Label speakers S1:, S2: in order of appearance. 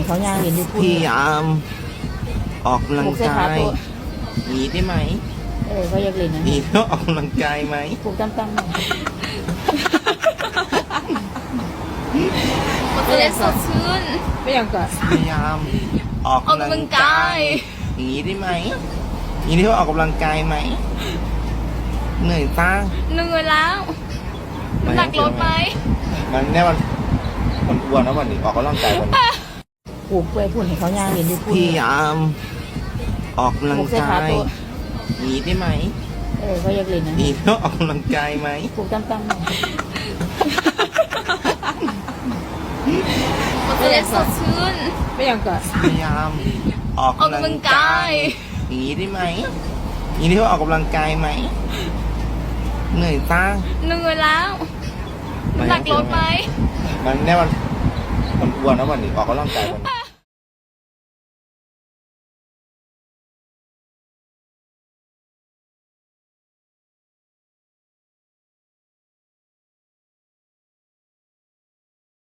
S1: เขาย่างเรียนอยู่
S2: พยายามออกกำลังกายหนีได้ไหม
S1: เขาอยากเรียนนะ
S2: หนีแล้วออกกำลังกายไหม
S1: ปลูกตั้มๆหน่อย
S3: มันจะได้สดชื่น
S1: ไม่อยากก่อน
S2: พยายามออกกำลังกายหนีได้ไหมหนีแล้วออกกำลังกายไหมเหนื่อยจ้า
S3: เหนื่อยแล้วน้ำหนักลดไหม
S2: มันเนี่ยมันอ้วนนะวันนี้ออกกำลังกายวันนี้
S1: ปลูกกล้วยพุ่นให้เขาย่างเรียนอยู่
S2: พ
S1: พุ่น
S2: ยายามออกกำลังกายหนีได้ไหม
S1: เขาอยากเรียนนะ
S2: หนีแล้วออกกำลังกายไหม
S1: ปลูกตั้มๆหน่อย
S3: มันจะได้สดชื่น
S1: ไม่อยากก่อน
S2: พยายามออกกำลังกายหนีได้ไหมหนีแล้วออกกำลังกายไหมเหนื่อยจ้า
S3: เหนื่อยแล้วน้ำหนักลดไหม
S2: มันเนี่ยมันอ้วนนะวันนี้ออกกำลังกายวันนี้